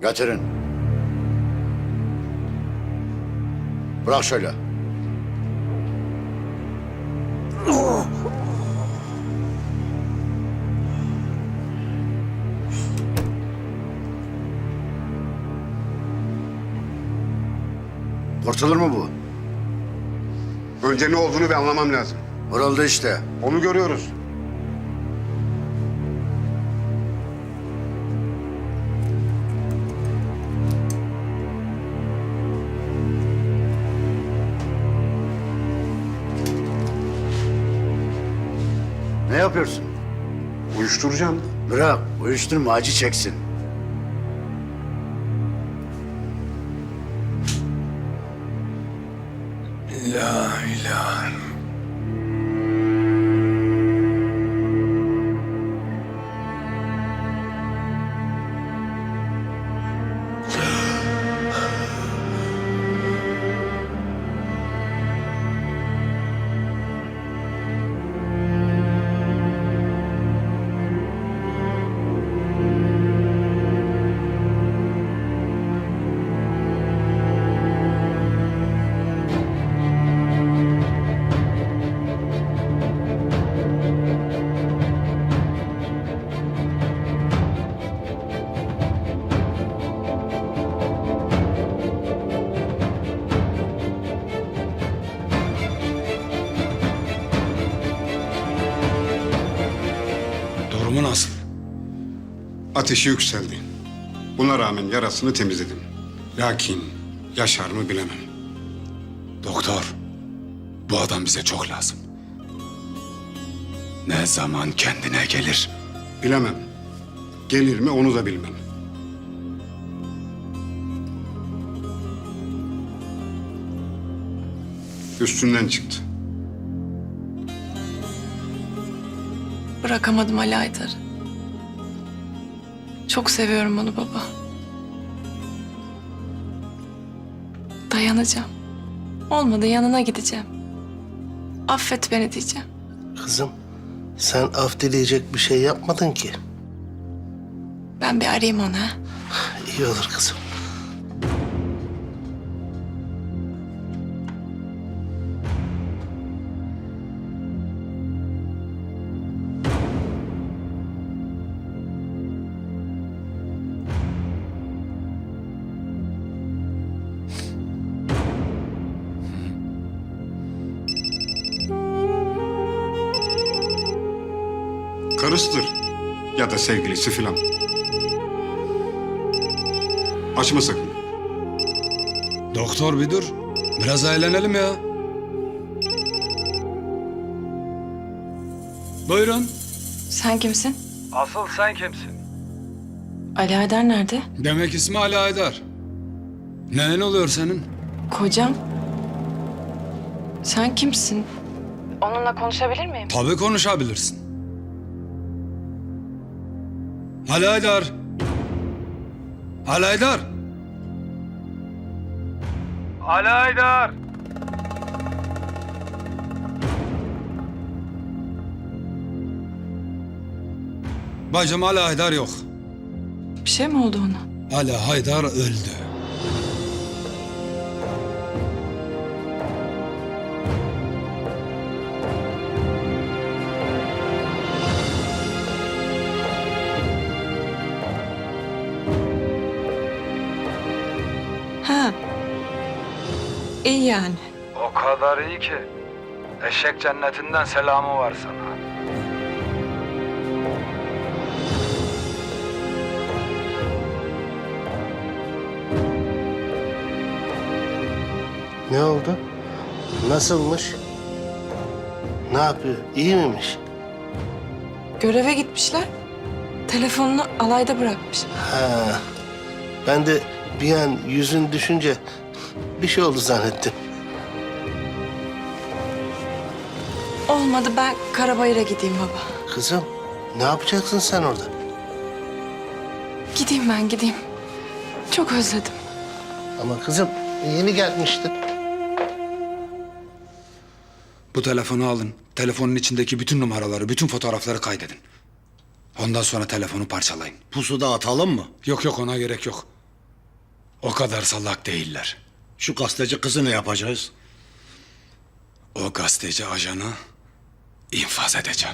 Getirin. Bırak şöyle. Kurtulur mu bu? Önce ne olduğunu bir anlamam lazım. Vuruldu işte. Onu görüyoruz. Ne yapıyorsun? Uyuşturacağım. Bırak, uyuşturma, acı çeksin. La ilahe. Durumu nasıl? Ateşi yükseldi. Buna rağmen yarasını temizledim. Lakin yaşar mı bilemem. Doktor, bu adam bize çok lazım. Ne zaman kendine gelir? Bilemem. Gelir mi onu da bilmem. Üstünden çıktı. Bırakamadım Ali Aydar'ı. Çok seviyorum onu baba. Dayanacağım. Olmadı yanına gideceğim. Affet beni diyeceğim. Kızım, sen af dileyecek bir şey yapmadın ki. Ben bir arayayım onu ha. İyi olur kızım. Karısıdır. Ya da sevgilisi filan. Açma sakın. Doktor bir dur. Biraz eğlenelim ya. Buyurun. Sen kimsin? Asıl sen kimsin? Ali Aydar nerede? Demek ismi Ali Aydar. Neyin oluyor senin? Kocam. Sen kimsin? Onunla konuşabilir miyim? Tabii konuşabilirsin. Ali Aydar. Ali Aydar. Ali Aydar! Bacım Ali Aydar yok. Bir şey mi oldu ona? Ali Aydar öldü. Ha. İyi yani. O kadar iyi ki. Eşek cennetinden selamı var sana. Ne oldu? Nasılmış? Ne yapıyor? İyi miymiş? Göreve gitmişler. Telefonunu alayda bırakmış. Ha. Ben de bir an yüzün düşünce bir şey oldu zannettim. Olmadı ben Karabayır'a gideyim baba. Kızım, ne yapacaksın sen orada? Gideyim ben gideyim. Çok özledim. Ama kızım, yeni gelmiştin. Bu telefonu alın. Telefonun içindeki bütün numaraları, bütün fotoğrafları kaydedin. Ondan sonra telefonu parçalayın. Pusuda atalım mı? Yok ona gerek yok. O kadar salak değiller. Şu gazeteci kızı ne yapacağız? O gazeteci ajanı infaz edeceğim.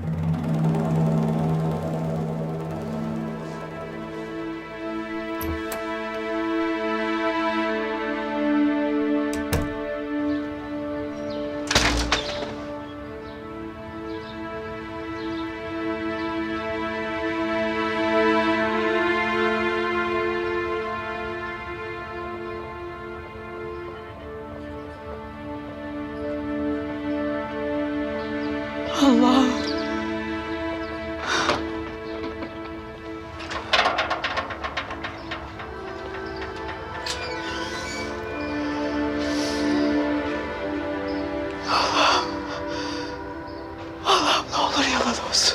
Ne olur yalan olsun.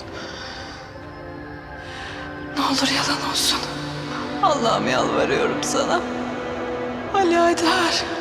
Ne olur yalan olsun. Allah'ım yalvarıyorum sana. Ali Aydar.